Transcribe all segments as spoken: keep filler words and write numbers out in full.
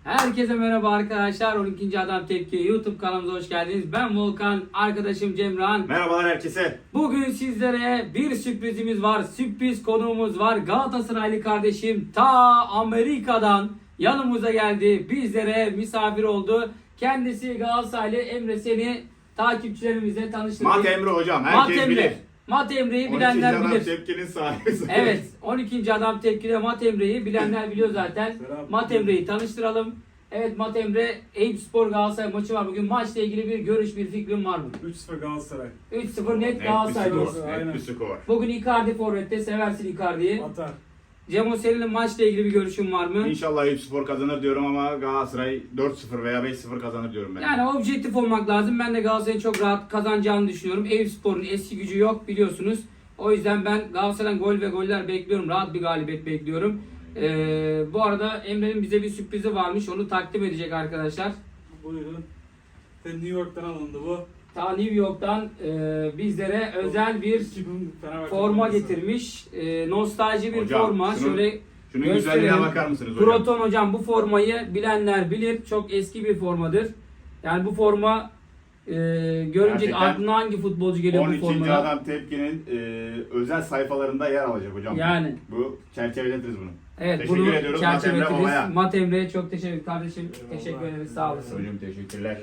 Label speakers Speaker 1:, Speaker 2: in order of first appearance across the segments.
Speaker 1: Herkese merhaba arkadaşlar. on ikinci Adam Tepki YouTube kanalımıza hoş geldiniz. Ben Volkan, arkadaşım Cemran.
Speaker 2: Merhabalar herkese.
Speaker 1: Bugün sizlere bir sürprizimiz var. Sürpriz konuğumuz var. Galatasaraylı kardeşim ta Amerika'dan yanımıza geldi. Bizlere misafir oldu. Kendisi Galatasaraylı. Emre, seni takipçilerimize tanıştırdı.
Speaker 2: Mat Emre hocam. Herkes
Speaker 1: Mat
Speaker 2: bilir.
Speaker 1: Emre. Mat Emre'yi bilenler
Speaker 2: on ikinci
Speaker 1: bilir.
Speaker 2: Adam Tepki'nin sahibi.
Speaker 1: Evet, on ikinci Adam Tepki'de Mat Emre'yi bilenler biliyor zaten.
Speaker 3: Selam.
Speaker 1: Mat Emre'yi tanıştıralım. Evet Mat Emre, Eyüpspor Galatasaray maçı var bugün. Maçla ilgili bir görüş, bir fikrin var mı?
Speaker 3: üç sıfır Galatasaray.
Speaker 1: üç sıfır net
Speaker 2: Net bir
Speaker 1: Galatasaray
Speaker 2: skor.
Speaker 1: diyorsun.
Speaker 3: Aynen.
Speaker 2: Net bir skor.
Speaker 1: Bugün Icardi forvette, seversin Icardi'yi.
Speaker 3: Atar.
Speaker 1: Cemo, senin maçla ilgili bir görüşün var mı?
Speaker 2: İnşallah Eyüpspor kazanır diyorum ama Galatasaray dört sıfır veya beş sıfır kazanır diyorum ben.
Speaker 1: Yani objektif olmak lazım. Ben de Galatasaray'ın çok rahat kazanacağını düşünüyorum. Eyüpspor'un eski gücü yok biliyorsunuz. O yüzden ben Galatasaray'dan gol ve goller bekliyorum. Rahat bir galibiyet bekliyorum. Ee, bu arada Emre'nin bize bir sürprizi varmış. Onu takdim edecek arkadaşlar.
Speaker 3: Buyurun. New York'tan alındı bu.
Speaker 1: Ta New York'tan e, bizlere özel bir
Speaker 3: iki bin Fenerbahçe
Speaker 1: forma
Speaker 3: forması.
Speaker 1: getirmiş. E, nostalji bir
Speaker 2: Hocam,
Speaker 1: forma.
Speaker 2: şunun-
Speaker 1: Şöyle
Speaker 2: Şunun
Speaker 1: gösterelim.
Speaker 2: güzelliğine bakar mısınız hocam?
Speaker 1: Proton hocam, bu formayı bilenler bilir. Çok eski bir formadır. Yani bu forma e, görünce
Speaker 2: Gerçekten
Speaker 1: aklına hangi futbolcu geliyor
Speaker 2: on
Speaker 1: bu
Speaker 2: ikinci
Speaker 1: formada?
Speaker 2: Adam Tepki'nin e, özel sayfalarında yer alacak hocam.
Speaker 1: Yani.
Speaker 2: Bu çerçeveletiriz bunu.
Speaker 1: Evet,
Speaker 2: Teşekkür
Speaker 1: bunu
Speaker 2: ediyoruz Mat Emre
Speaker 1: çerçeveletiriz.
Speaker 2: babaya.
Speaker 1: Mat Emre'ye çok teşekkür kardeşim.
Speaker 3: Eyvallah.
Speaker 1: Teşekkür ederiz. Sağ olasın.
Speaker 2: Hocam teşekkürler.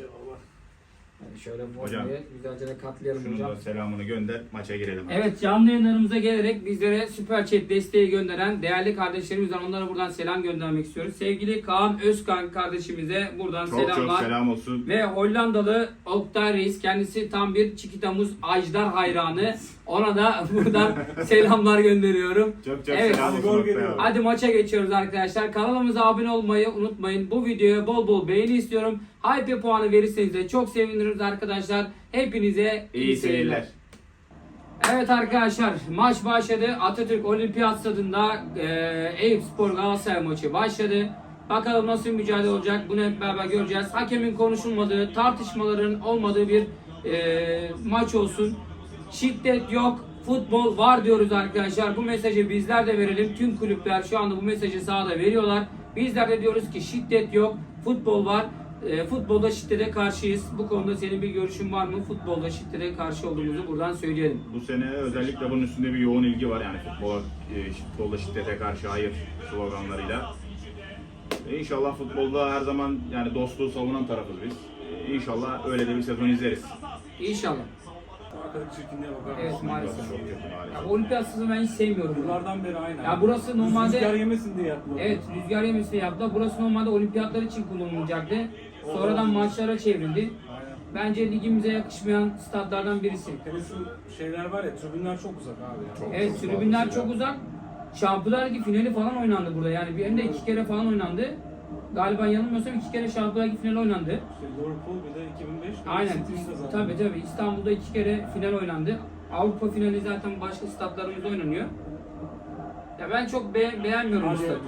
Speaker 1: Yani şöyle
Speaker 2: Hocam,
Speaker 1: formayı güzelce de katlayalım
Speaker 2: Şunun
Speaker 1: hocam.
Speaker 2: da selamını gönder, maça girelim.
Speaker 1: Evet, canlı yayınlarımıza gelerek bizlere Süper Chat desteği gönderen değerli kardeşlerimiz var. Onlara buradan selam göndermek istiyoruz. Sevgili Kaan Özkan kardeşimize buradan
Speaker 2: Çok
Speaker 1: selamlar.
Speaker 2: çok selam olsun.
Speaker 1: Ve Hollandalı Oktay Reis, kendisi tam bir Çikitamuz Ajdar hayranı. Ona da buradan selamlar gönderiyorum.
Speaker 2: Çok çok
Speaker 1: Evet.
Speaker 2: selam
Speaker 3: Hadi
Speaker 2: olsun.
Speaker 3: gol
Speaker 2: Oktay
Speaker 3: geliyor.
Speaker 2: abi.
Speaker 1: Hadi maça geçiyoruz arkadaşlar. Kanalımıza abone olmayı unutmayın. Bu videoya bol bol beğeni istiyorum. Hype puanı verirseniz de çok seviniriz arkadaşlar. Hepinize iyi,
Speaker 2: İyi
Speaker 1: seyirler.
Speaker 2: seyirler.
Speaker 1: Evet arkadaşlar, maç başladı. Atatürk Olimpiyat Stadı'nda e, Eyüpspor Galatasaray maçı başladı. Bakalım nasıl bir mücadele olacak, bunu hep beraber göreceğiz. Hakemin konuşulmadığı, tartışmaların olmadığı bir e, maç olsun. Şiddet yok, futbol var diyoruz arkadaşlar. Bu mesajı bizler de verelim. Tüm kulüpler şu anda bu mesajı sahada veriyorlar. Bizler de diyoruz ki şiddet yok, futbol var. E, futbolda şiddete karşıyız. Bu konuda senin bir görüşün var mı? Futbolda şiddete karşı olduğumuzu buradan söyleyelim.
Speaker 2: Bu sene özellikle bunun üstünde bir yoğun ilgi var yani futbola, e, futbolda şiddete karşı hayır sloganlarıyla. E, İnşallah futbolda her zaman yani dostluğu savunan tarafız biz. E, İnşallah öyle de bir sezon izleriz.
Speaker 1: İnşallah.
Speaker 3: Arkadaki çirkinliğe bakar
Speaker 1: Evet,
Speaker 3: mısın?
Speaker 1: maalesef.
Speaker 2: Çok kötü
Speaker 1: Ya,
Speaker 2: maalesef.
Speaker 1: olimpiyat sezonu ben hiç sevmiyorum.
Speaker 3: Yıllardan beri aynı.
Speaker 1: Ya burası normalde-
Speaker 3: Rüzgar yemesin diye yaptılar.
Speaker 1: Evet, rüzgar yemesi yaptı. Burası normalde olimpiyatlar için kullanılacaktı. Sonradan maçlara çevrildi.
Speaker 3: Aynen.
Speaker 1: Bence ligimize yakışmayan statlardan birisi.
Speaker 3: Tenis şeyler var ya, tribünler çok uzak abi ya.
Speaker 2: Çok-
Speaker 1: Evet,
Speaker 2: çok
Speaker 1: tribünler
Speaker 2: fazla.
Speaker 1: çok uzak. Şampiyonlar Ligi finali falan oynandı burada. Yani bir hem de iki kere falan oynandı. Galiba yanılmıyorsam iki kere Şampiyonlar Ligi finali oynandı.
Speaker 3: İşte Liverpool bir de iki bin beş.
Speaker 1: Aynen.
Speaker 3: City'de zaten.
Speaker 1: Tabii tabii. İstanbul'da iki kere final oynandı. Avrupa finali zaten başka statlarımızda oynanıyor. Ya ben çok be- beğenmiyorum bu
Speaker 3: Hadi.
Speaker 1: stadı.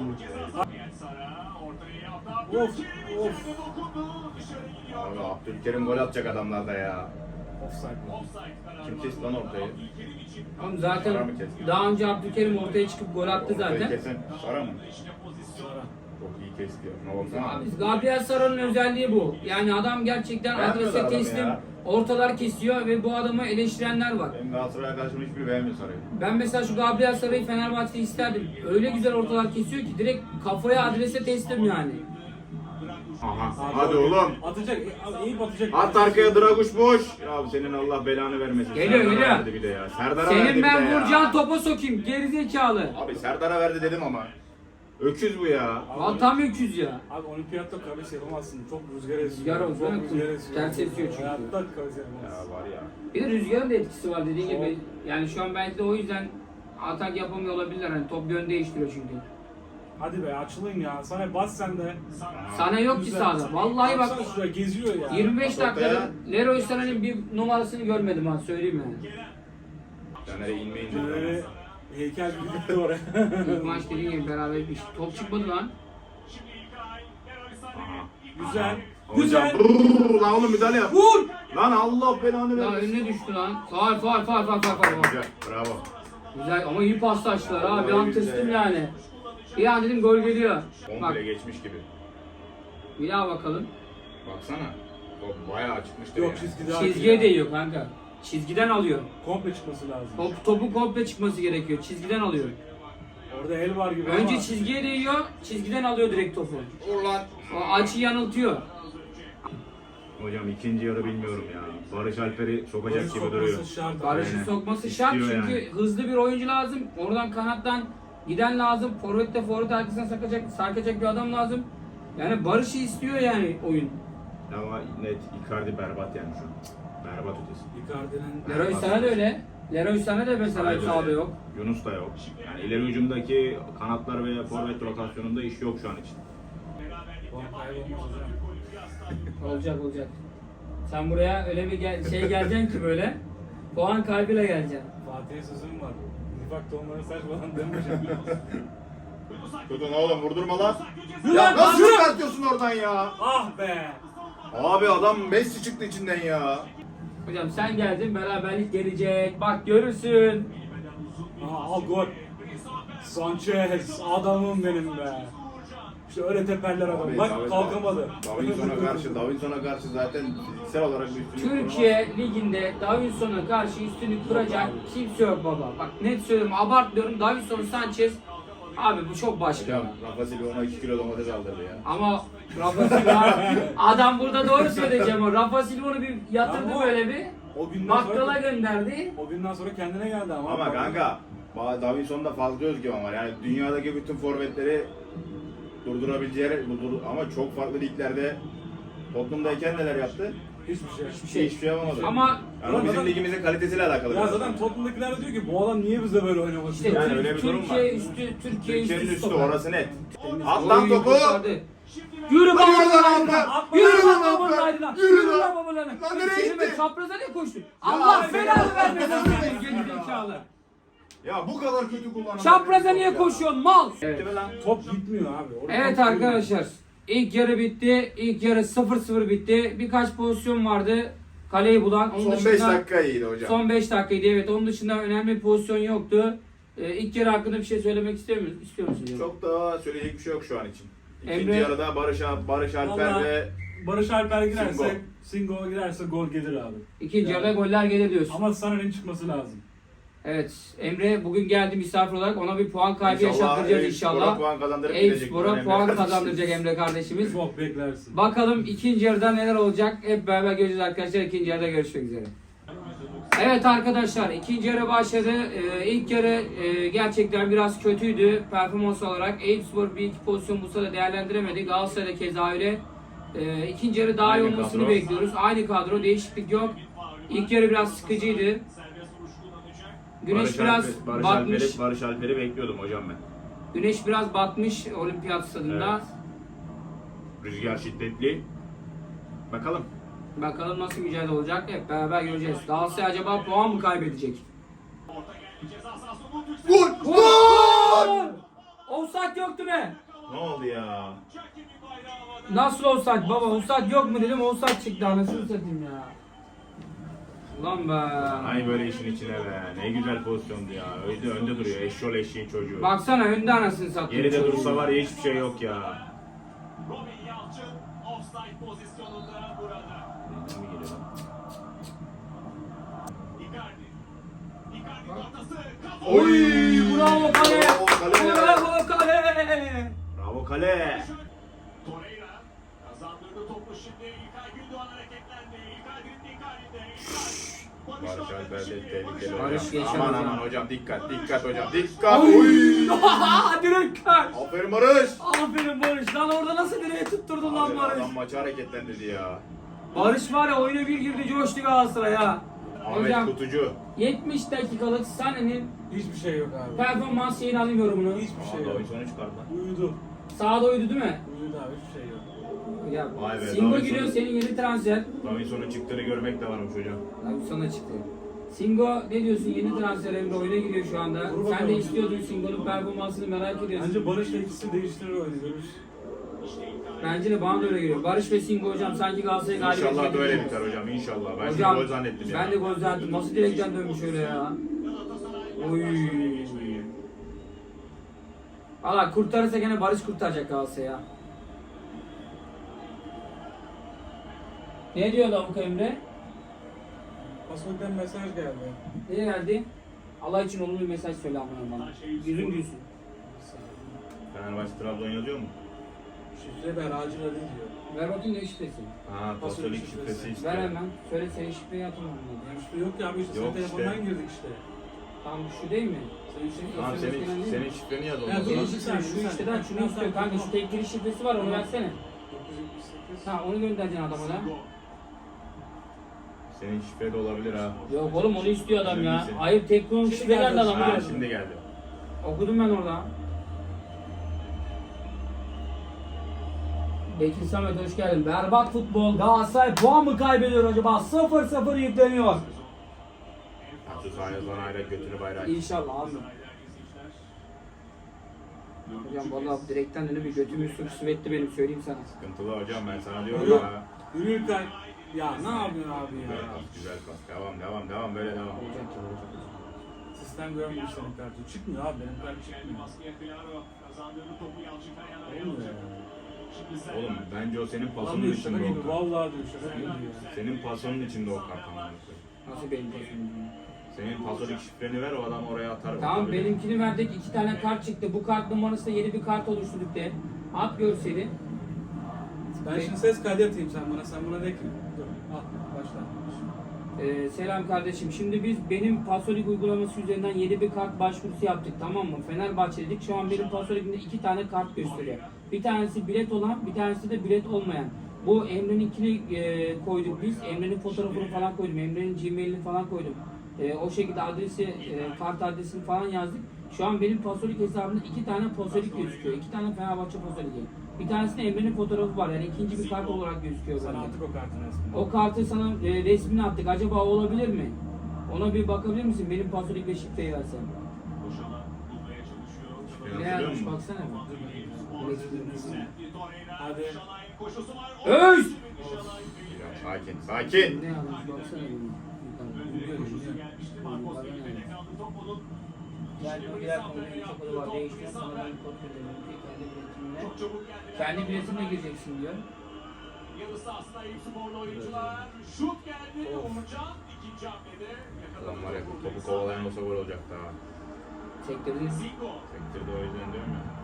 Speaker 3: Of of.
Speaker 2: Abi Abdülkerim gol atacak adamlarda ya.
Speaker 3: Offside.
Speaker 2: Kim kesti lan ortayı?
Speaker 1: Oğlum zaten
Speaker 2: Sara mı kesti?
Speaker 1: daha önce Abdülkerim ortaya çıkıp gol attı
Speaker 2: Ortayı
Speaker 1: zaten.
Speaker 2: kesen Sara mı?
Speaker 3: Sara.
Speaker 2: Çok iyi kesti ya. Şuna baksana.
Speaker 1: Abi, Gabriel Sara'nın özelliği bu. Yani adam gerçekten
Speaker 2: Beğenmiyorlar
Speaker 1: adrese
Speaker 2: adamı
Speaker 1: teslim,
Speaker 2: ya.
Speaker 1: ortalar kesiyor ve bu adamı eleştirenler var.
Speaker 2: Benim Galatasaray arkadaşım hiçbiri beğenmiyor Sara'yı.
Speaker 1: Ben mesela şu Gabriel Sara'yı Fenerbahçe'de isterdim. Öyle güzel ortalar kesiyor ki direkt kafaya adrese teslim yani.
Speaker 2: Aha.
Speaker 3: Abi,
Speaker 2: Hadi
Speaker 3: o-
Speaker 2: oğlum.
Speaker 3: Atacak. Eyüp atacak.
Speaker 2: At arkaya Draguş boş. Ya senin Allah belanı vermesin.
Speaker 1: Geliyor,
Speaker 2: Serdar'a
Speaker 1: geliyor.
Speaker 2: verdi bir de ya. Serdar'a verdi
Speaker 1: Senin
Speaker 2: bir
Speaker 1: ben
Speaker 2: de ya.
Speaker 1: vuracağın topa sokayım gerizekalı.
Speaker 2: Abi Serdar'a verdi dedim ama. Öküz bu ya.
Speaker 1: Lan tam öküz ya.
Speaker 3: Abi olimpiyatta kavis yapamazsın. Çok rüzgar esiyor.
Speaker 1: Rüzgar olsun,
Speaker 3: Çok
Speaker 1: evet.
Speaker 3: rüzgar esiyor.
Speaker 1: Ters esiyor çünkü.
Speaker 3: Hayatta kavis yapamazsın.
Speaker 2: Ya var ya.
Speaker 1: Bir de rüzgarın da etkisi var dediğin
Speaker 3: Çok.
Speaker 1: gibi. Yani şu an belki de o yüzden atak yapamıyor olabilirler. Hani top yön değiştiriyor çünkü.
Speaker 3: Hadi be açılın ya. Sana bas sen de.
Speaker 1: Sana yok ki
Speaker 3: Güzel.
Speaker 1: sahada. Vallahi bak
Speaker 3: Baksana şuraya geziyor ya.
Speaker 1: yirmi beş
Speaker 2: Bak ortaya.
Speaker 1: dakikada Leroy Sana'nın bir numarasını görmedim ha, söyleyeyim yani.
Speaker 2: Caner'e inmeyin
Speaker 3: Böyle
Speaker 2: dedi.
Speaker 3: heykel gibi gitti oraya.
Speaker 1: İlk maç dediğin gibi beraber bir top çıkmadı lan.
Speaker 3: Güzel.
Speaker 2: Hocam
Speaker 3: Güzel.
Speaker 2: brrrr, lan oğlum müdahale yap.
Speaker 1: Vur!
Speaker 2: Lan Allah belanı
Speaker 1: Lan
Speaker 2: vermesin.
Speaker 1: önüne düştü lan. Faal faal faal faal faal faal.
Speaker 2: Güzel bravo.
Speaker 1: Güzel ama iyi paslaştılar ha. Bir
Speaker 2: Vallahi
Speaker 1: an
Speaker 2: güzel
Speaker 1: tırstım
Speaker 2: ya.
Speaker 1: yani. Bir an dedim gol geliyor. Bak
Speaker 2: Komple geçmiş gibi.
Speaker 1: Bir daha bakalım.
Speaker 2: Baksana. Top bayağı çıkmıştır
Speaker 3: Yok
Speaker 2: yani.
Speaker 3: çizgide.
Speaker 1: Çizgiye değiyor kanka. Çizgiden alıyor.
Speaker 3: Komple çıkması lazım.
Speaker 1: Top, topu komple çıkması gerekiyor. Çizgiden alıyor.
Speaker 3: Orada el var gibi
Speaker 1: Önce
Speaker 3: ama.
Speaker 1: çizgiye değiyor, çizgiden alıyor direkt topu.
Speaker 2: Vur lan.
Speaker 1: O açı yanıltıyor.
Speaker 2: Hocam ikinci yarı bilmiyorum ya. Barış Alper'i sokacak
Speaker 3: Barış
Speaker 2: gibi duruyor.
Speaker 3: sokması şart.
Speaker 1: Barış'ı
Speaker 2: Aynen.
Speaker 1: sokması şart
Speaker 2: İstiyor
Speaker 1: çünkü
Speaker 2: yani.
Speaker 1: hızlı bir oyuncu lazım. Oradan kanattan giden lazım. Forvet'te forvet arkasına sarkacak, sarkacak bir adam lazım. Yani Barış'ı istiyor yani oyun.
Speaker 2: Ama net Icardi berbat yani şu an. Berbat ötesi.
Speaker 3: Icardi'nin
Speaker 1: Leroy Sané de öyle. Leroy Sané de mesela
Speaker 2: Aynen
Speaker 1: sahada
Speaker 2: öyle.
Speaker 1: yok.
Speaker 2: Yunus da yok. Yani ileri hücumdaki kanatlar ve forvet rotasyonunda iş yok şu an için.
Speaker 3: puan kaybı olmaz hocam.
Speaker 1: Olacak olacak. Sen buraya öyle bir gel- şey geleceksin ki böyle. Puan kaybıyla geleceksin.
Speaker 3: Fatih'e sözüm var. Nifak tohumları saç falan deme hocam.
Speaker 2: Tutun oğlum vurdurma lan.
Speaker 3: Yürü
Speaker 2: Ya
Speaker 3: lan,
Speaker 2: nasıl
Speaker 3: yürü!
Speaker 2: çıkartıyorsun oradan ya?
Speaker 3: Ah be!
Speaker 2: Abi adam Messi çıktı içinden ya.
Speaker 1: Hocam sen geldin, beraberlik gelecek. Bak görürsün.
Speaker 3: Aha, al gol. Sanchez adamım benim be. İşte öyle teperler adam.
Speaker 2: Abi,
Speaker 3: Bak
Speaker 2: David-
Speaker 3: kalkamadı.
Speaker 2: Davinson'a karşı, Davinson'a karşı zaten fiziksel olarak bir üstünlük
Speaker 1: Türkiye Ligi'nde Davinson'a karşı üstünlük kuracak kimse yok baba. Bak net söylüyorum, abartmıyorum. Davinson, Sanchez. Abi bu çok başka.
Speaker 2: Hocam Rafa Silva ona iki kilo domates aldırdı ya.
Speaker 1: Ama Rafa Silva, adam burada doğru söyleyeceğim o. Rafa Silva'nı bir yatırdı
Speaker 3: Ama
Speaker 1: böyle bir.
Speaker 3: O günden
Speaker 1: Bakkala
Speaker 3: sonra,
Speaker 1: gönderdi.
Speaker 3: o günden sonra kendine geldi ama.
Speaker 2: Ama kanka Davinson'da fazla özgüven var. Yani dünyadaki bütün forvetleri durdurabileceği dur- ama çok farklı liglerde Tottenham'dayken neler yaptı?
Speaker 3: Hiçbir şey.
Speaker 2: Hiçbir şey, hiçbir şey yapamadı.
Speaker 1: Ama
Speaker 2: yani o bizim
Speaker 3: zaten-
Speaker 2: ligimizin kalitesiyle alakalı.
Speaker 3: Ya
Speaker 2: biraz
Speaker 3: zaten
Speaker 2: yani.
Speaker 3: Tottenham'dakiler de diyor ki bu adam niye bizde böyle oynamak
Speaker 1: işte
Speaker 3: istiyor?
Speaker 2: Yani
Speaker 1: Tür-
Speaker 2: öyle bir durum
Speaker 1: Türkiye
Speaker 2: var.
Speaker 1: üstü, Türkiye
Speaker 2: Türkiye'nin
Speaker 1: üstü
Speaker 2: üstü
Speaker 1: stoper.
Speaker 2: orası net.
Speaker 1: Temiz.
Speaker 2: At lan
Speaker 1: Oy,
Speaker 2: topu.
Speaker 1: kurtardı. Yürü
Speaker 2: Hadi
Speaker 1: baba
Speaker 2: yürü lan
Speaker 1: lan!
Speaker 2: Alper.
Speaker 1: Yürü
Speaker 2: Yürü
Speaker 1: lan
Speaker 2: lan
Speaker 1: baba
Speaker 2: Alper.
Speaker 1: lan!
Speaker 2: Yürü
Speaker 1: Yürü
Speaker 2: lan.
Speaker 1: lan baba lan!
Speaker 2: Lan nereye
Speaker 1: Senin be
Speaker 2: gitti?
Speaker 1: çapraza ne koştun? Allah
Speaker 2: sen-
Speaker 1: belanı vermesin senin geri zekalı.
Speaker 2: Ya bu kadar kötü kullanan.
Speaker 1: Çapraza niye koşuyorsun mal? Evet.
Speaker 2: Gitti mi lan?
Speaker 3: Top gitmiyor abi. Orada
Speaker 1: Evet
Speaker 3: top
Speaker 1: arkadaşlar. İlk yarı bitti. İlk yarı sıfır sıfır bitti. Birkaç pozisyon vardı. Kaleyi bulan. Onun
Speaker 2: Son beş
Speaker 1: dışında-
Speaker 2: dakika iyiydi hocam.
Speaker 1: Son beş dakikaydı evet. Onun dışında önemli bir pozisyon yoktu. Ee, ilk yarı hakkında bir şey söylemek istiyor musunuz? İstiyor musunuz?
Speaker 2: Çok da söyleyecek bir şey yok şu an için. İkinci
Speaker 1: Emre-
Speaker 2: yarıda Barış, Barış Alper
Speaker 3: Vallahi-
Speaker 2: ve
Speaker 3: Barış Alper girerse,
Speaker 2: Singo.
Speaker 3: Singo girerse gol gelir abi.
Speaker 1: İkinci
Speaker 3: Yani.
Speaker 1: yarıda goller gelir diyorsun.
Speaker 3: Ama Sané'nin çıkması lazım.
Speaker 1: Evet. Emre bugün geldi misafir olarak. Ona bir puan kaybı
Speaker 2: İnşallah
Speaker 1: yaşattıracağız
Speaker 2: Eyüpspor'a
Speaker 1: inşallah.
Speaker 2: puan kazandırıp gidecek.
Speaker 1: Eyüpspor'a
Speaker 2: Önemli
Speaker 1: puan
Speaker 2: kardeşim.
Speaker 1: kazandıracak Emre kardeşimiz.
Speaker 3: Çok beklersin.
Speaker 1: Bakalım ikinci yarıda neler olacak. Hep beraber göreceğiz arkadaşlar. İkinci yarıda görüşmek üzere. Evet arkadaşlar ikinci yarı başladı. Ee, ilk yarı e, gerçekten biraz kötüydü performans olarak. Eyüpspor bir iki pozisyon bulsa da değerlendiremedi. Galatasaray'da keza öyle. Ee, ikinci yarı daha iyi
Speaker 2: Aynı
Speaker 1: olmasını
Speaker 2: kadro.
Speaker 1: bekliyoruz. Aynı kadro, değişiklik yok. İlk yarı biraz sıkıcıydı. Güneş
Speaker 2: Barış
Speaker 1: biraz
Speaker 2: Alper- Barış
Speaker 1: batmış.
Speaker 2: Alper'i, Barış Alper'i bekliyordum hocam ben.
Speaker 1: Güneş biraz batmış olimpiyat stadında.
Speaker 2: Evet. Rüzgar şiddetli. Bakalım.
Speaker 1: Bakalım nasıl mücadele olacak. Hep beraber göreceğiz. Galatasaray acaba puan mı kaybedecek?
Speaker 2: Gol!
Speaker 1: Gol! Offside yoktu be.
Speaker 2: Ne oldu ya?
Speaker 1: Nasıl offside baba? Offside yok mu dedim. Offside çıktı anasını satayım ya. Ulan be.
Speaker 2: Ay böyle işin içine be. Ne güzel pozisyondu ya. Önde, önde duruyor. Eşşol eşeğin çocuğu.
Speaker 1: Baksana önde anasını satayım.
Speaker 2: Geride dursa var ya hiçbir şey yok ya.
Speaker 4: Robin Yalçın offside pozisyonunda burada.
Speaker 2: Ne geliyor lan?
Speaker 4: Icardi. Icardi'nin ortası. Kafa.
Speaker 2: Oy!
Speaker 1: Bravo kale.
Speaker 2: Bravo kale.
Speaker 1: Bravo kale.
Speaker 2: Bravo kale.
Speaker 4: Torreira kazandırdı topu şimdi. İlkay Gündoğan hareketlendi. Icardi'nin Icardi'de.
Speaker 2: Barış Alper de tehlikeli
Speaker 1: Barış
Speaker 2: hocam.
Speaker 1: geçer
Speaker 2: Aman
Speaker 1: hocam.
Speaker 2: aman hocam dikkat dikkat hocam dikkat. Oy!
Speaker 1: Direkt kal.
Speaker 2: Aferin Barış.
Speaker 1: Aferin Barış. Lan orada nasıl direğe tutturdun lan
Speaker 2: Abi,
Speaker 1: Barış?
Speaker 2: adam maçı hareketlendirdi ya.
Speaker 1: Barış var ya oyuna bir girdi coştu Galatasaray'a.
Speaker 2: Ahmet
Speaker 1: Hocam
Speaker 2: Kutucu.
Speaker 1: yetmiş dakikalık Sané'nin
Speaker 3: Hiçbir şey yok abi.
Speaker 1: performans şeyini alayım yorumunu.
Speaker 3: Hiçbir şey
Speaker 2: Aa,
Speaker 3: yok.
Speaker 2: Davinson çıkardı lan.
Speaker 3: Uyudu.
Speaker 1: Sağda uydu değil mi?
Speaker 3: Uyudu abi hiçbir şey yok.
Speaker 1: Ya
Speaker 2: Vay be,
Speaker 1: Singo
Speaker 2: Davinson-
Speaker 1: giriyor senin yeni transfer.
Speaker 2: Davinson'un çıktığını görmek de varmış hocam.
Speaker 1: Abi sana çıktı. Singo ne diyorsun yeni transfer Emre oyuna giriyor şu anda.
Speaker 3: Dur
Speaker 1: Sen de
Speaker 3: bakalım.
Speaker 1: istiyordun Singo'nun performansını merak ediyorsun.
Speaker 3: Bence Barış'la ikisi değiştirir oyunu görürüz.
Speaker 1: Bence de bana da öyle geliyor. Barış ve Singo hocam sanki Galatasaray'ı galip
Speaker 2: İnşallah
Speaker 1: edecek
Speaker 2: böyle
Speaker 1: gibi.
Speaker 2: biter hocam inşallah. Ben
Speaker 1: Hocam
Speaker 2: şimdi gol zannettim ya.
Speaker 1: ben de gol zannettim. Nasıl direkten dönmüş öyle ya. Oy. Valla kurtarırsa gene Barış kurtaracak Galatasaray'a. Ne diyor Lavuk Emre?
Speaker 3: Pasolik'ten mesaj geldi.
Speaker 1: Ne geldi? Allah için olumlu bir mesaj söyle amına bana. Yüzün gülsün.
Speaker 2: Fenerbahçe Trabzon yazıyor mu?
Speaker 3: Şifre ver acil arayın diyor.
Speaker 1: Ver bakayım ne şifresi.
Speaker 2: Ha, Pasolik şifresi
Speaker 1: Ver
Speaker 2: istiyor.
Speaker 1: hemen. Söyle senin şifreyi atın
Speaker 3: Şifre yok ya abi işte
Speaker 2: Yok
Speaker 3: senin
Speaker 2: işte.
Speaker 3: telefondan girdik işte.
Speaker 1: Tamam şu değil mi?
Speaker 3: Senin şifre
Speaker 2: Tamam,
Speaker 1: S M S
Speaker 2: senin,
Speaker 1: gelen değil mi?
Speaker 2: senin şifreni yaz
Speaker 3: Ya,
Speaker 2: ondan
Speaker 3: dur,
Speaker 2: sonra.
Speaker 1: Senin
Speaker 3: bir
Speaker 1: şifren
Speaker 3: saniye,
Speaker 1: şu
Speaker 3: bir
Speaker 1: işteden
Speaker 3: saniye.
Speaker 1: şunu
Speaker 3: Tamam,
Speaker 1: istiyor
Speaker 3: tamam,
Speaker 1: kanka, şu
Speaker 3: tamam.
Speaker 1: tek giriş şifresi var, onu versene.
Speaker 3: dokuz yüz yetmiş sekiz.
Speaker 1: Ha onu göndereceksin adama da.
Speaker 2: Senin şifre de olabilir ha.
Speaker 1: Yok oğlum onu istiyor adam ya.
Speaker 2: Şimdi-
Speaker 1: Hayır teknoloji
Speaker 3: Şimdi
Speaker 1: şifre geldi
Speaker 3: geldi.
Speaker 1: adamı
Speaker 2: Ha,
Speaker 1: geldi.
Speaker 2: şimdi geldi.
Speaker 1: Okudum ben orada. Bekir Samet hoş geldin. Berbat futbol. Galatasaray puan mı kaybediyor acaba? sıfır sıfır yükleniyor.
Speaker 2: Atı sahaya sonra ayrak götünü bayrağı.
Speaker 1: İnşallah abi. Hocam vallahi direkten önü bir götümü sürüsü etti benim, söyleyeyim sana.
Speaker 2: Sıkıntılı hocam, ben sana diyorum
Speaker 3: Yok.
Speaker 2: ya.
Speaker 3: Yürürken ya ne yapıyorsun abi
Speaker 2: Güzel
Speaker 3: ya?
Speaker 2: pas, güzel pas. Devam, devam, devam, böyle devam.
Speaker 3: Sistem görmüyor senin kartı. Çıkmıyor abi benim kart çıkmıyor.
Speaker 4: Baskıya Claro kazandırdı topu Yalçın Kaya'na
Speaker 3: Olmuyor
Speaker 4: yalnız.
Speaker 3: ya.
Speaker 4: Şimdi sen
Speaker 2: Oğlum bence o senin pasonun
Speaker 3: Vallahi şaka
Speaker 2: içinde o
Speaker 3: gibi
Speaker 2: kart.
Speaker 3: vallahi diyor şaka gibi ya.
Speaker 2: Senin pasonun içinde o kart ama.
Speaker 1: Nasıl benim pasım?
Speaker 2: Senin pasolik şifreni ver, o adam oraya atar.
Speaker 1: Tamam
Speaker 2: bakabilir.
Speaker 1: benimkini verdik, iki tane kart çıktı. Bu kart numarası da yeni bir kart oluşturduk de. At görseli.
Speaker 3: Ben şimdi ses kaydı atayım sen bana. Sen buna de ki. Dur al başla.
Speaker 1: Ee, selam kardeşim. Şimdi biz benim Pasolik uygulaması üzerinden yeni bir kart başvurusu yaptık, tamam mı? Fenerbahçe dedik. Şu an benim Pasolik'imde iki tane kart gösteriyor. Bir tanesi bilet olan, bir tanesi de bilet olmayan. Bu Emre'ninkini e, koyduk biz. Emre'nin fotoğrafını falan koydum. Emre'nin Gmail'ini falan koydum. E, o şekilde adresi, e, kart adresini falan yazdık. Şu an benim Pasolik hesabımda iki tane Pasolik gözüküyor. İki tane Fenerbahçe Pasolik'i. Bir tanesinde Emre'nin fotoğrafı var. Yani ikinci bir kart olarak gözüküyor
Speaker 3: Sen
Speaker 1: bende.
Speaker 3: attık o kartın resmini.
Speaker 1: O kartı sana e, resmini attık. Acaba olabilir mi? Ona bir bakabilir misin? Benim Pasolik ve şifreyi versen.
Speaker 4: boşalan bulmaya çalışıyor.
Speaker 2: Şifreni
Speaker 1: Ne
Speaker 2: hatırlıyor
Speaker 1: yazmış
Speaker 2: musun?
Speaker 1: baksana bir.
Speaker 3: Hadi.
Speaker 4: Şalay'ın koşusu var.
Speaker 1: Öz!
Speaker 2: Sakin, sakin.
Speaker 1: Ne yazmış baksana bir.
Speaker 4: Koşusu gelmişti. Marcos Felipe'de kaldı top onun.
Speaker 1: Yani o birer konuda çok kodu var. Değiştir sana ben kod veriyorum. Kendi biletimle.
Speaker 4: Çok çabuk geldi.
Speaker 1: Kendi biletimle gireceksin diyor.
Speaker 4: Yarı sahasına Eyüp Sporlu oyuncular. Şut geldi. Uğurcan ikinci hamlede
Speaker 2: Adam var ya,
Speaker 4: yakaladı.
Speaker 2: topu kovalayan olsa gol olacaktı ha.
Speaker 1: Çektirdiniz.
Speaker 4: Zingo.
Speaker 2: Sektirdi, o yüzden diyorum ya.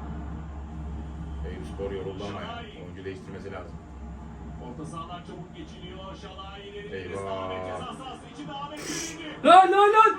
Speaker 2: Eyüp Spor yoruldu ama ya. Oyuncu değiştirmesi lazım.
Speaker 4: Orta sahalar çabuk geçiliyor. Şalay ileri.
Speaker 2: Eyvah.
Speaker 4: Ahmet ceza sahası içinde Ahmet indi.
Speaker 1: Lan lan lan!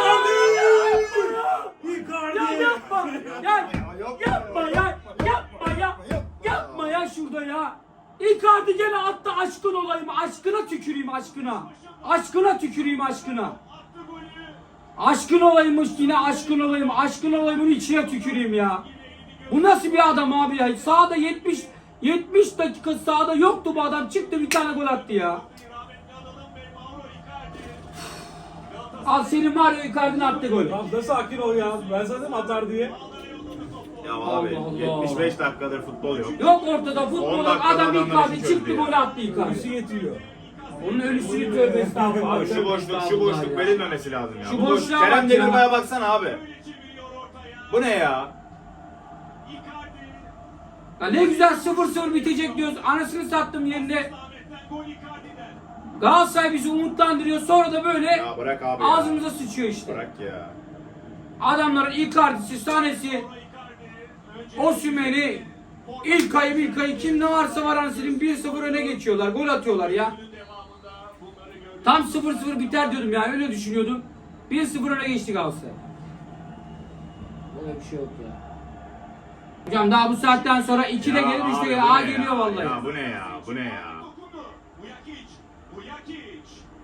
Speaker 3: Icardi!
Speaker 1: Ya yapma! Ya yapma ya! Yapma ya! Yapma ya şurada ya! Icardi gene attı, aşkın olayım, aşkına tüküreyim aşkına! Aşkına tüküreyim aşkına!
Speaker 4: Attı golü.
Speaker 1: Aşkın olaymış yine, aşkın olayım, aşkın olayımın içine tüküreyim ya! Bu nasıl bir adam abi ya? Sahada yetmiş yetmiş dakika sahada yoktu bu adam, çıktı bir tane gol attı ya!
Speaker 4: Rahmetli adamım ve Mauro Icardi.
Speaker 1: Al senin Mario Icardi'nin attı golü.
Speaker 3: Tamam da sakin ol ya. Ben zaten atar diye.
Speaker 2: Ya
Speaker 1: abi, Allah.
Speaker 2: yetmiş beş dakikadır futbol yok.
Speaker 1: Yok ortada
Speaker 2: on
Speaker 1: futbol,
Speaker 2: dakikada
Speaker 1: adam
Speaker 2: adamlar
Speaker 1: Icardi
Speaker 2: işi
Speaker 1: çıktı
Speaker 2: çözdü ya.
Speaker 1: gol attı
Speaker 3: Ölüsü
Speaker 1: Icardi.
Speaker 3: yetiyor.
Speaker 1: Onun ölüsünü tövbe estağfurullah.
Speaker 2: Şu boşluk, şu boşluk verilmemesi lazım ya.
Speaker 1: Şu
Speaker 2: Bu boş-
Speaker 1: boşluğa bak
Speaker 2: Kerem
Speaker 1: ya.
Speaker 2: Demirbay'a baksana abi.
Speaker 4: Böyle çeviriyor ortaya.
Speaker 2: Bu ne ya?
Speaker 4: Icardi.
Speaker 1: Ya ne güzel sıfır sıfır bitecek diyoruz. Anasını sattım yerinde.
Speaker 4: Ahmet'ten gol Icardi'den.
Speaker 1: Galatasaray bizi umutlandırıyor. Sonra da böyle
Speaker 2: Ya bırak abi ya.
Speaker 1: ağzımıza sıçıyor işte.
Speaker 2: Bırak ya.
Speaker 1: Adamların Icardi'si, Sanesi,
Speaker 4: Icardi. Önce
Speaker 1: Osimhen'i, İlkay'ı, İlkay'ı kim ne varsa var anasının bir sıfır öne geçiyorlar. Gol atıyorlar ya.
Speaker 4: devamında bunları gördük.
Speaker 1: Tam sıfır sıfır biter diyordum yani, öyle düşünüyordum. bir sıfır öne geçti Galatasaray. Böyle bir şey yok ya. Hocam daha bu saatten sonra ikide
Speaker 2: Ya
Speaker 1: gelir, üçte
Speaker 2: abi,
Speaker 1: gelir.
Speaker 2: bu
Speaker 1: Aa
Speaker 2: ne
Speaker 1: geliyor
Speaker 2: ya?
Speaker 1: vallahi.
Speaker 2: Ya bu ne ya? Bu ne ya?
Speaker 4: Dokundu. Buyakic. Buyakic.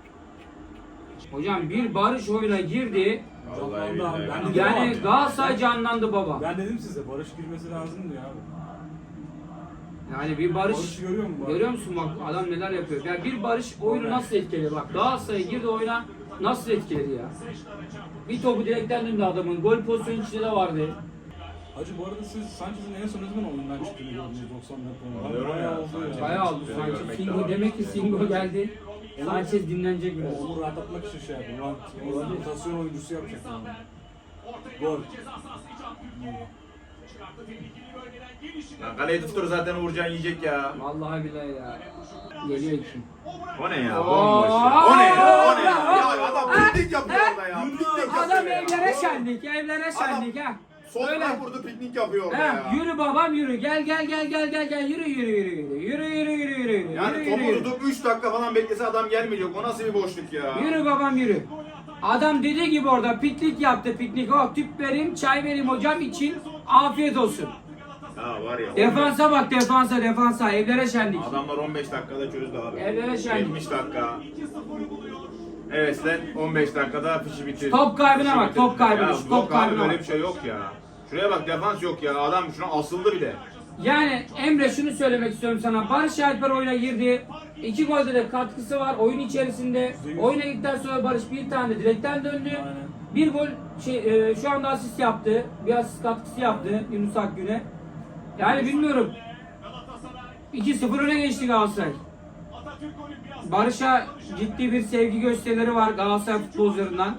Speaker 1: Hocam bir barış oyuna girdi.
Speaker 2: Vallahi
Speaker 3: Canlandı abi,
Speaker 2: billahi.
Speaker 3: ben de-
Speaker 1: Yani Galatasaray canlandı baba.
Speaker 3: Ben dedim size Barış girmesi lazım diyor abi.
Speaker 1: Yani bir barış,
Speaker 3: Barış'ı görüyor musun?
Speaker 1: görüyor musun bak adam neler yapıyor. Yani bir barış oyunu nasıl etkiledi bak. Galatasaray girdi oyuna, nasıl etkiledi ya. Bir topu direkten döndü adamın. Gol pozisyonu içinde de vardı.
Speaker 3: Hacı bu arada siz Sanchez'in en son ne zaman oyundan çıktığını gördünüz doksan dakika.
Speaker 2: Anlıyorum
Speaker 3: Bayağı
Speaker 2: ya,
Speaker 3: oldu ya.
Speaker 2: Sanchez.
Speaker 1: Bayağı oldu
Speaker 2: Seni
Speaker 1: Sanchez.
Speaker 2: görmek
Speaker 1: Singo
Speaker 2: lazım.
Speaker 1: demek ki Singo geldi. Sanchez dinlenecek biraz.
Speaker 3: Onu rahatlatmak için şey yapıyor. Ulan rotasyon oyuncusu yapacak. Yani. Gol.
Speaker 4: Ceza sahası iç Abdülkerim. çıkarttı. Tehlikeli bölgeden gelişine.
Speaker 2: Ya kaleyi tutur zaten Uğurcan yiyecek ya.
Speaker 1: Vallahi billahi ya. Geliyor ki.
Speaker 2: O ne ya?
Speaker 1: Oo!
Speaker 2: Bomboş ya. O ne ya? O ne ya? Ya adam piknik yapıyor orada ya. Piknik yapıyor
Speaker 1: Adam
Speaker 2: ya.
Speaker 1: evlere şenlik, evlere şenlik ha. Öyle.
Speaker 2: Soldan vurdu piknik yapıyor orada
Speaker 1: He,
Speaker 2: ya.
Speaker 1: yürü babam yürü. Gel gel gel gel gel gel yürü yürü yürü yürü. Yürü yürü yürü yürü. yürü.
Speaker 2: Yani
Speaker 1: yürü,
Speaker 2: topu
Speaker 1: yürü.
Speaker 2: tutup üç dakika falan beklese adam gelmeyecek. O nasıl bir boşluk ya?
Speaker 1: Yürü babam yürü. Adam dediği gibi orada piknik yaptı piknik. Oh tüp vereyim çay vereyim hocam için afiyet olsun.
Speaker 2: Ya var ya.
Speaker 1: Defansa bak defansa defansa evlere şenlik.
Speaker 2: Adamlar on beş dakikada çözdü abi.
Speaker 1: Evlere şenlik.
Speaker 2: yetmiş dakika. Evet sen on beş dakikada fişi bitir.
Speaker 1: Top kaybına
Speaker 2: fişi
Speaker 1: bak,
Speaker 2: bitir.
Speaker 1: top kaybına,
Speaker 2: Ya
Speaker 1: şu top
Speaker 2: yok abi
Speaker 1: kaybına
Speaker 2: böyle
Speaker 1: bak.
Speaker 2: bir şey yok ya. Şuraya bak defans yok ya. Adam şuna asıldı bir de.
Speaker 1: Yani Emre şunu söylemek istiyorum sana. Barış Alper oyuna girdi. İki golde de katkısı var oyun içerisinde. Oyuna gittikten sonra Barış bir tane direkten döndü.
Speaker 3: Aynen.
Speaker 1: Bir gol şey, e, şu anda asist yaptı. Bir asist katkısı yaptı Yunus Akgün'e. Yani bilmiyorum. iki sıfır öne geçti Galatasaray. Barış'a ciddi bir sevgi gösterileri var Galatasaray futbolcularından.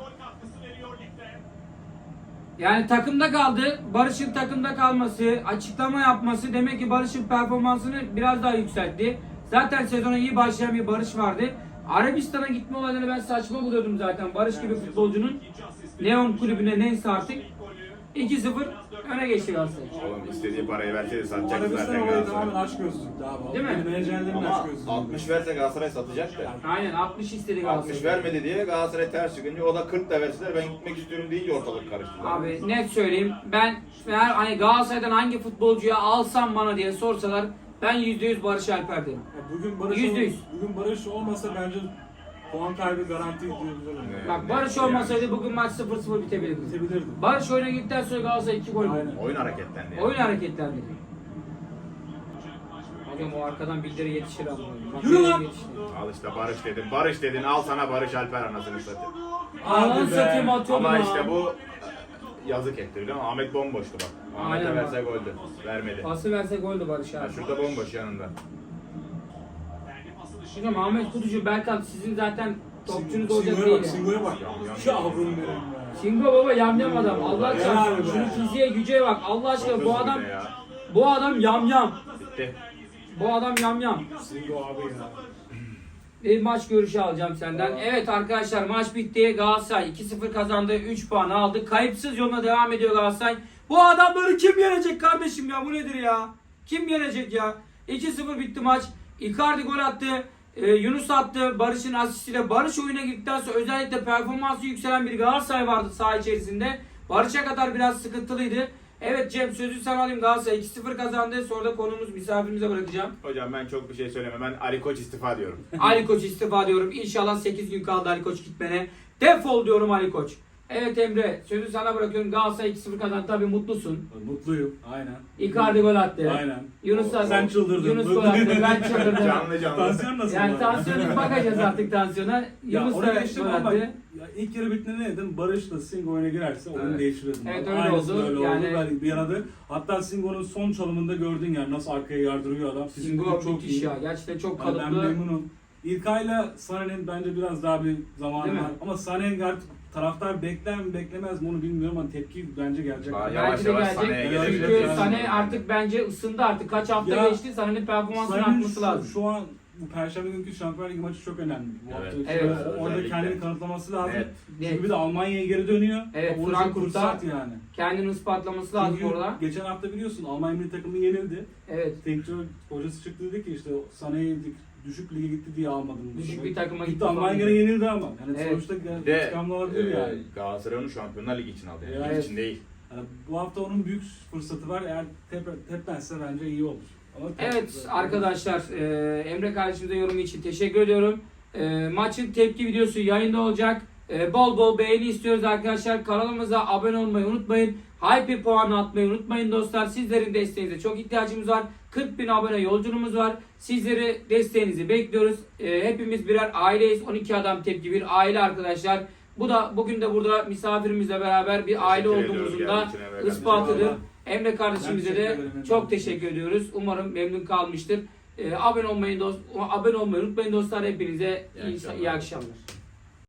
Speaker 1: Yani takımda kaldı. Barış'ın takımda kalması, açıklama yapması demek ki Barış'ın performansını biraz daha yükseltti. Zaten sezona iyi başlayan bir Barış vardı. Arabistan'a gitme olaylarını ben saçma buluyordum zaten. Barış gibi futbolcunun Neon kulübüne neyse artık iki sıfır öne geçti Galatasaray.
Speaker 2: Oğlum istediği parayı verseydi satacak
Speaker 3: Arabistan
Speaker 2: zaten
Speaker 3: olayı
Speaker 2: Galatasaray.
Speaker 3: tamamen aç gözlüktü abi.
Speaker 1: Değil mi?
Speaker 3: Benim menajerlerin
Speaker 2: Ama
Speaker 3: aç gözlüktü.
Speaker 2: altmış verse Galatasaray satacak da.
Speaker 1: Aynen altmış istedi
Speaker 2: altmış
Speaker 1: Galatasaray.
Speaker 2: vermedi diye Galatasaray ters çıkınca o da kırk da verseler ben gitmek istiyorum deyince ortalık karıştı.
Speaker 1: Abi net söyleyeyim. Ben eğer hani Galatasaray'dan hangi futbolcuya alsam bana diye sorsalar ben yüzde yüz Barış Alper derim.
Speaker 3: Ya Bugün Barış,
Speaker 1: Yüzde yüz.
Speaker 3: bugün Barış olmasa bence puan kaybı garanti diyebilirim.
Speaker 2: Evet.
Speaker 1: Bak Barış olmasaydı bugün maç sıfır sıfır bitebilirdi.
Speaker 3: Bitebilirdi.
Speaker 1: Barış oyuna gittikten sonra Galatasaray iki gol buldu.
Speaker 3: Aynen.
Speaker 2: Oyun hareketlendi. yani.
Speaker 1: Oyun hareketlendi. Hocam o arkadan bildiri yetişir ama. Bak,
Speaker 3: Yürü lan!
Speaker 1: yetişti.
Speaker 2: Al işte Barış dedin. Barış dedin. Al sana Barış Alper anasını satayım.
Speaker 1: Ananı
Speaker 3: Hadi be.
Speaker 1: satayım atıyordum
Speaker 2: Ama
Speaker 1: ha.
Speaker 2: işte bu yazık etti biliyor musun? Ahmet bomboştu bak. Ahmet'e
Speaker 1: Aynen
Speaker 2: verse
Speaker 1: bak.
Speaker 2: goldü. Vermedi.
Speaker 1: Pası verse goldü Barış
Speaker 2: Ha,
Speaker 1: abi.
Speaker 2: şurada bomboş yanında.
Speaker 1: Hocam Ahmet Kutucu, Berkan sizin zaten topçunuz olacak
Speaker 3: Singo'ya
Speaker 1: değil
Speaker 3: bak,
Speaker 1: ya.
Speaker 3: Singo'ya bak.
Speaker 2: Yam,
Speaker 3: Şu avrum benim be.
Speaker 1: Singo baba yamyam adam. Allah
Speaker 3: Helal
Speaker 1: çarpsın.
Speaker 3: be.
Speaker 1: Şunun fiziğe güce bak. Allah aşkına
Speaker 2: Çok
Speaker 1: bu
Speaker 2: hızlı
Speaker 1: adam
Speaker 2: bir de ya.
Speaker 1: bu adam yamyam.
Speaker 2: Bitti.
Speaker 1: Bu adam yamyam.
Speaker 3: Singo abi ya.
Speaker 1: Bir maç görüşü alacağım senden. Evet arkadaşlar maç bitti. Galatasaray iki sıfır kazandı. üç puan aldı. Kayıpsız yoluna devam ediyor Galatasaray. Bu adamları kim yenecek kardeşim ya? Bu nedir ya? Kim yenecek ya? iki sıfır bitti maç. Icardi gol attı. Ee, Yunus attı. Barış'ın asistiyle. Barış oyuna girdikten sonra özellikle performansı yükselen bir Galatasaray vardı saha içerisinde. Barış'a kadar biraz sıkıntılıydı. Evet Cem sözü sana alayım. Galatasaray iki sıfır kazandı. Sonra da konumuz misafirimize bırakacağım.
Speaker 2: Hocam ben çok bir şey söylemem. Ben Ali Koç istifa diyorum.
Speaker 1: Ali Koç istifa diyorum. İnşallah sekiz gün kaldı Ali Koç gitmene. Defol diyorum Ali Koç. Evet Emre sözü sana bırakıyorum. Galatasaray iki sıfır kazandı. Tabii mutlusun.
Speaker 3: Mutluyum. Aynen.
Speaker 1: Icardi gol attı.
Speaker 3: Aynen.
Speaker 1: Yunus da
Speaker 3: Sen çıldırdın.
Speaker 1: Yunus gol attı. Ben çıldırdım.
Speaker 2: Canlı canlı.
Speaker 3: Tansiyon nasıl?
Speaker 1: Yani
Speaker 3: var?
Speaker 1: tansiyonu bakacağız artık tansiyona.
Speaker 3: Ya
Speaker 1: Yunus
Speaker 3: onu
Speaker 1: da
Speaker 3: geçtim
Speaker 1: gol
Speaker 3: ama
Speaker 1: attı.
Speaker 3: ya ilk yarı bittiğinde ne dedim? Barış'la Singo oyuna girerse oyunu
Speaker 2: Evet.
Speaker 3: değiştirirdim.
Speaker 1: Evet,
Speaker 3: Abi.
Speaker 1: öyle
Speaker 3: Aynısı
Speaker 1: oldu.
Speaker 3: Öyle
Speaker 1: Yani-
Speaker 3: oldu. Ben bir arada hatta Singo'nun son çalımında gördün yani nasıl arkaya yardırıyor adam. Fizikli
Speaker 1: Singo
Speaker 3: çok
Speaker 1: müthiş
Speaker 3: iyi.
Speaker 1: ya. Gerçekten çok
Speaker 3: Yani ben
Speaker 1: kalıplı.
Speaker 3: memnunum. İlkay'la Sané'nin bence biraz daha bir zamanı
Speaker 1: Değil mi?
Speaker 3: var. Ama Sané artık taraftar bekler mi beklemez mi onu bilmiyorum ama tepki bence gelecek.
Speaker 2: Aa,
Speaker 1: Belki
Speaker 2: Yavaş
Speaker 1: de
Speaker 2: yavaş
Speaker 1: gelecek.
Speaker 2: Sané'ye
Speaker 3: gelebilir
Speaker 1: Çünkü
Speaker 3: yani.
Speaker 1: Sané artık bence ısındı artık. Kaç hafta
Speaker 3: Ya,
Speaker 1: geçti. Sané'nin performansının
Speaker 3: Sané'nin
Speaker 1: artması
Speaker 3: şu,
Speaker 1: lazım.
Speaker 3: şu an bu Perşembe günkü Şampiyonlar Ligi maçı çok önemli. Bu
Speaker 2: Evet.
Speaker 3: hafta
Speaker 1: Evet.
Speaker 3: içinde orada
Speaker 2: Özellikle.
Speaker 3: kendini kanıtlaması lazım.
Speaker 2: Net.
Speaker 1: Net.
Speaker 3: Çünkü bir de Almanya'ya geri dönüyor.
Speaker 1: Evet,
Speaker 3: Onun için
Speaker 1: Frankfurt'ta
Speaker 3: fırsat yani.
Speaker 1: Kendini ispatlaması lazım
Speaker 3: Çünkü
Speaker 1: orada.
Speaker 3: geçen hafta biliyorsun Almanya milli takımı yenildi.
Speaker 1: Evet.
Speaker 3: Teknik hocası çıktı dedi ki işte Sané'yi düşük lige gitti diye almadım.
Speaker 1: Düşük bir takıma gitti
Speaker 3: gitti. Almanya
Speaker 1: falan.
Speaker 3: gene yenildi ama. Yani
Speaker 1: Evet.
Speaker 3: sonuçta
Speaker 2: Bir de
Speaker 3: intikamlı olabilir
Speaker 2: e,
Speaker 3: yani.
Speaker 2: Galatasaray onu Şampiyonlar Ligi için aldı. Yani
Speaker 3: Evet.
Speaker 2: lig için değil.
Speaker 3: Yani bu hafta onun büyük fırsatı var. Eğer tep tepmezse bence iyi olur. Ama
Speaker 1: Evet arkadaşlar e, Emre kardeşimize yorumu için teşekkür ediyorum. E, maçın tepki videosu yayında olacak. E, bol bol beğeni istiyoruz arkadaşlar. Kanalımıza abone olmayı unutmayın. Hype puanı atmayı unutmayın dostlar. Sizlerin desteğinize çok ihtiyacımız var. kırk bin abone yolculuğumuz var. Sizleri desteğinizi bekliyoruz. E, hepimiz birer aileyiz. on iki adam tepki bir aile arkadaşlar. Bu da bugün de burada misafirimizle beraber bir aile
Speaker 2: Teşekkür
Speaker 1: olduğumuzun
Speaker 2: ediyoruz
Speaker 1: da
Speaker 2: geldiğin için Emre kardeşim.
Speaker 1: ispatıdır.
Speaker 3: Vallahi.
Speaker 1: Emre kardeşimize
Speaker 3: Ben
Speaker 1: de
Speaker 3: teşekkür ederim.
Speaker 1: çok teşekkür ediyoruz. Umarım memnun kalmıştır. Ee, abone olmayı dost abone olmayı unutmayın dostlar. Hepinize
Speaker 2: İyi
Speaker 1: iyi,
Speaker 2: akşamlar.
Speaker 1: iyi akşamlar.